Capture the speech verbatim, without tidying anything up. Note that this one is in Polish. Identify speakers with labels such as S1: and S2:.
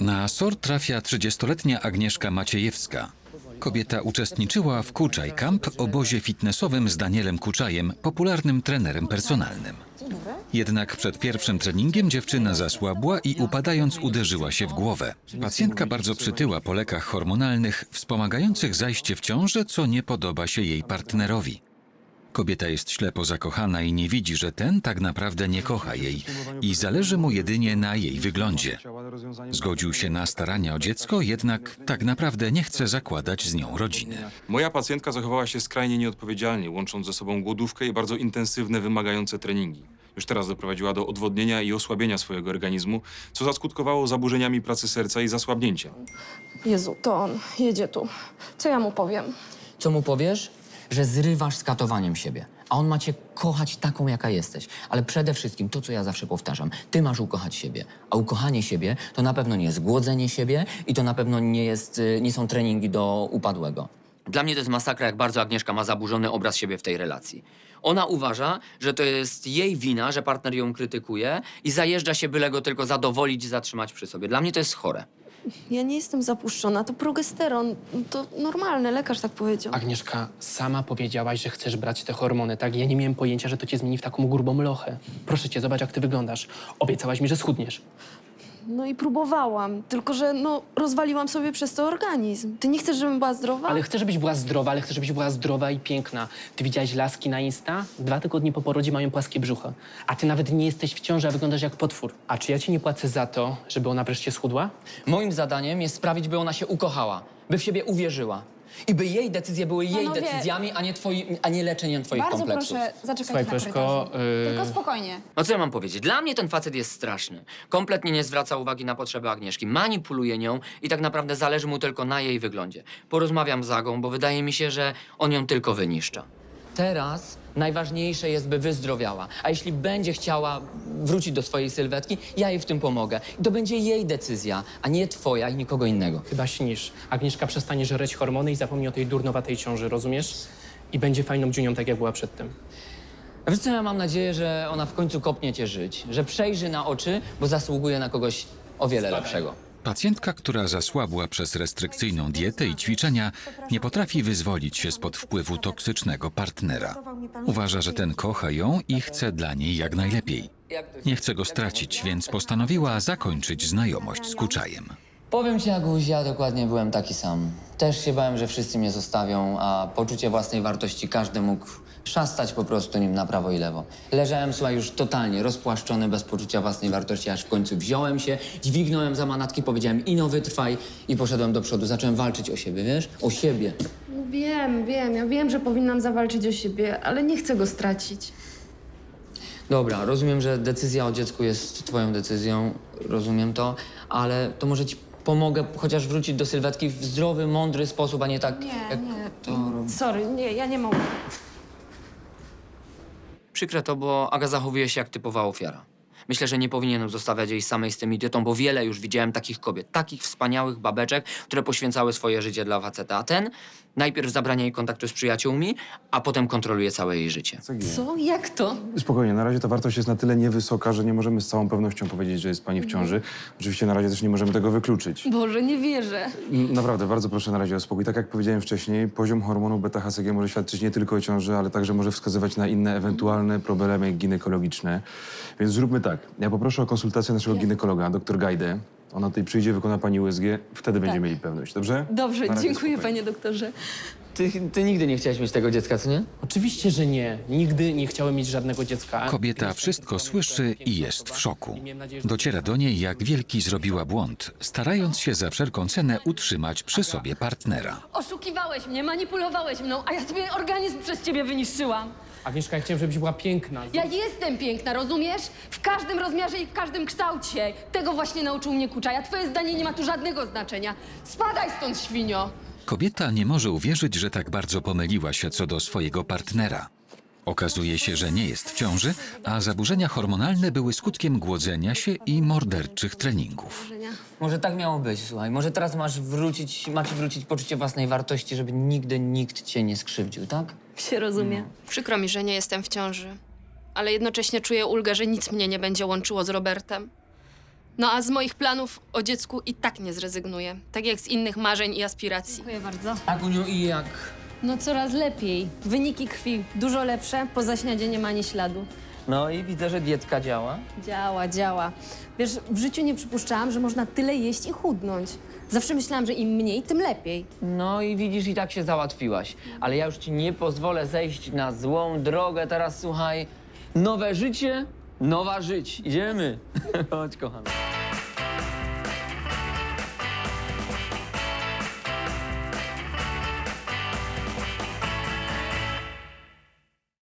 S1: Na S O R trafia trzydziestoletnia Agnieszka Maciejewska. Kobieta uczestniczyła w Kuczaj Camp, obozie fitnessowym z Danielem Kuczajem, popularnym trenerem personalnym. Jednak przed pierwszym treningiem dziewczyna zasłabła i upadając uderzyła się w głowę. Pacjentka bardzo przytyła po lekach hormonalnych wspomagających zajście w ciążę, co nie podoba się jej partnerowi. Kobieta jest ślepo zakochana i nie widzi, że ten tak naprawdę nie kocha jej i zależy mu jedynie na jej wyglądzie. Zgodził się na starania o dziecko, jednak tak naprawdę nie chce zakładać z nią rodziny.
S2: Moja pacjentka zachowała się skrajnie nieodpowiedzialnie, łącząc ze sobą głodówkę i bardzo intensywne, wymagające treningi. Już teraz doprowadziła do odwodnienia i osłabienia swojego organizmu, co zaskutkowało zaburzeniami pracy serca i zasłabnięciem.
S3: Jezu, to on jedzie tu. Co ja mu powiem?
S4: Co mu powiesz? Że zrywasz z katowaniem siebie. A on ma cię kochać taką, jaka jesteś. Ale przede wszystkim to, co ja zawsze powtarzam. Ty masz ukochać siebie. A ukochanie siebie to na pewno nie jest głodzenie siebie i to na pewno nie, jest, nie są treningi do upadłego. Dla mnie to jest masakra, jak bardzo Agnieszka ma zaburzony obraz siebie w tej relacji. Ona uważa, że to jest jej wina, że partner ją krytykuje i zajeżdża się, byle go tylko zadowolić i zatrzymać przy sobie. Dla mnie to jest chore.
S3: Ja nie jestem zapuszczona, to progesteron. To normalne, lekarz tak powiedział.
S5: Agnieszka, sama powiedziałaś, że chcesz brać te hormony, tak? Ja nie miałem pojęcia, że to cię zmieni w taką grubą lochę. Proszę cię, zobacz, jak ty wyglądasz. Obiecałaś mi, że schudniesz.
S3: No i próbowałam, tylko że no rozwaliłam sobie przez to organizm. Ty nie chcesz, żebym była zdrowa?
S5: Ale chcę, żebyś była zdrowa, ale chcę, żebyś była zdrowa i piękna. Ty widziałaś laski na Insta? Dwa tygodnie po porodzie mają płaskie brzucho. A ty nawet nie jesteś w ciąży, a wyglądasz jak potwór. A czy ja ci nie płacę za to, żeby ona wreszcie schudła?
S4: Moim zadaniem jest sprawić, by ona się ukochała, by w siebie uwierzyła. I by jej decyzje były jej
S6: Panowie,
S4: decyzjami, a nie, twoi, a nie leczeniem twoich
S6: Bardzo
S4: kompleksów.
S6: proszę zaczekać
S5: Słuchaj,
S6: na
S5: Koleżko,
S6: korytarzu.
S5: yy-
S6: Tylko spokojnie.
S4: No co ja mam powiedzieć? Dla mnie ten facet jest straszny. Kompletnie nie zwraca uwagi na potrzeby Agnieszki. Manipuluje nią i tak naprawdę zależy mu tylko na jej wyglądzie. Porozmawiam z Agą, bo wydaje mi się, że on ją tylko wyniszcza. Teraz najważniejsze jest, by wyzdrowiała. A jeśli będzie chciała wrócić do swojej sylwetki, ja jej w tym pomogę. I to będzie jej decyzja, a nie twoja i nikogo innego.
S5: Chyba śnisz. Agnieszka przestanie żreć hormony i zapomni o tej durnowatej ciąży, rozumiesz? I będzie fajną dziunią, tak jak była przedtem.
S4: A wiesz co, ja mam nadzieję, że ona w końcu kopnie cię żyć. Że przejrzy na oczy, bo zasługuje na kogoś o wiele lepszego.
S1: Pacjentka, która zasłabła przez restrykcyjną dietę i ćwiczenia, nie potrafi wyzwolić się spod wpływu toksycznego partnera. Uważa, że ten kocha ją i chce dla niej jak najlepiej. Nie chce go stracić, więc postanowiła zakończyć znajomość z Kuczajem.
S4: Powiem ci, Aguś, ja dokładnie byłem taki sam. Też się bałem, że wszyscy mnie zostawią, a poczucie własnej wartości każdy mógł szastać po prostu nim na prawo i lewo. Leżałem, słuchaj, już totalnie rozpłaszczony, bez poczucia własnej wartości, aż w końcu wziąłem się, dźwignąłem za manatki, powiedziałem ino wytrwaj i poszedłem do przodu. Zacząłem walczyć o siebie, wiesz? O siebie.
S3: Wiem, wiem, ja wiem, że powinnam zawalczyć o siebie, ale nie chcę go stracić.
S4: Dobra, rozumiem, że decyzja o dziecku jest twoją decyzją, rozumiem to, ale to może ci pomogę chociaż wrócić do sylwetki w zdrowy, mądry sposób, a nie tak
S3: Nie,
S4: jak
S3: nie.
S4: to robi.
S3: Sorry, nie, ja nie mogę.
S4: Przykre to, bo Aga zachowuje się jak typowa ofiara. Myślę, że nie powinienem zostawiać jej samej z tym idiotą, bo wiele już widziałem takich kobiet, takich wspaniałych babeczek, które poświęcały swoje życie dla faceta. A ten najpierw zabrania jej kontaktu z przyjaciółmi, a potem kontroluje całe jej życie.
S3: Co? Jak to?
S2: Spokojnie, na razie ta wartość jest na tyle niewysoka, że nie możemy z całą pewnością powiedzieć, że jest pani w ciąży. Oczywiście na razie też nie możemy tego wykluczyć.
S3: Boże, nie wierzę.
S2: N- Naprawdę, bardzo proszę na razie o spokój. Tak jak powiedziałem wcześniej, poziom hormonu beta-H C G może świadczyć nie tylko o ciąży, ale także może wskazywać na inne ewentualne problemy ginekologiczne. Więc zróbmy tak. Ja poproszę o konsultację naszego ginekologa, dr Gajdę. Ona tutaj przyjdzie, wykona pani U S G, wtedy będziemy mieli pewność, dobrze?
S3: Dobrze,
S2: Na razie
S3: dziękuję,
S2: spokojnie.
S3: panie doktorze.
S4: Ty, ty nigdy nie chciałeś mieć tego dziecka, co nie?
S5: Oczywiście, że nie. Nigdy nie chciałem mieć żadnego dziecka.
S1: Kobieta wszystko słyszy i jest w szoku. Dociera do niej, jak wielki zrobiła błąd, starając się za wszelką cenę utrzymać przy sobie partnera.
S3: Oszukiwałeś mnie, manipulowałeś mną, a ja sobie organizm przez ciebie wyniszczyłam.
S5: Agnieszka, ja chciałem, żebyś była piękna.
S3: Ja jestem piękna, rozumiesz? W każdym rozmiarze i w każdym kształcie. Tego właśnie nauczył mnie Kuczaj, a twoje zdanie nie ma tu żadnego znaczenia. Spadaj stąd, świnio!
S1: Kobieta nie może uwierzyć, że tak bardzo pomyliła się co do swojego partnera. Okazuje się, że nie jest w ciąży, a zaburzenia hormonalne były skutkiem głodzenia się i morderczych treningów.
S4: Może tak miało być, słuchaj. Może teraz masz wrócić, macie wrócić poczucie własnej wartości, żeby nigdy nikt cię nie skrzywdził, tak?
S3: Się rozumie.
S7: Przykro mi, że nie jestem w ciąży, ale jednocześnie czuję ulgę, że nic mnie nie będzie łączyło z Robertem.
S3: No a z moich planów o dziecku i tak nie zrezygnuję. Tak jak z innych marzeń i aspiracji.
S6: Dziękuję bardzo.
S4: Aguniu, i jak?
S6: No coraz lepiej. Wyniki krwi dużo lepsze, po zaśniadzie nie ma ani śladu.
S4: No i widzę, że dietka działa.
S6: Działa, działa. Wiesz, w życiu nie przypuszczałam, że można tyle jeść i chudnąć. Zawsze myślałam, że im mniej, tym lepiej.
S4: No i widzisz, i tak się załatwiłaś. Ale ja już ci nie pozwolę zejść na złą drogę. Teraz słuchaj, nowe życie, nowa żyć. Idziemy. Chodź, kochana.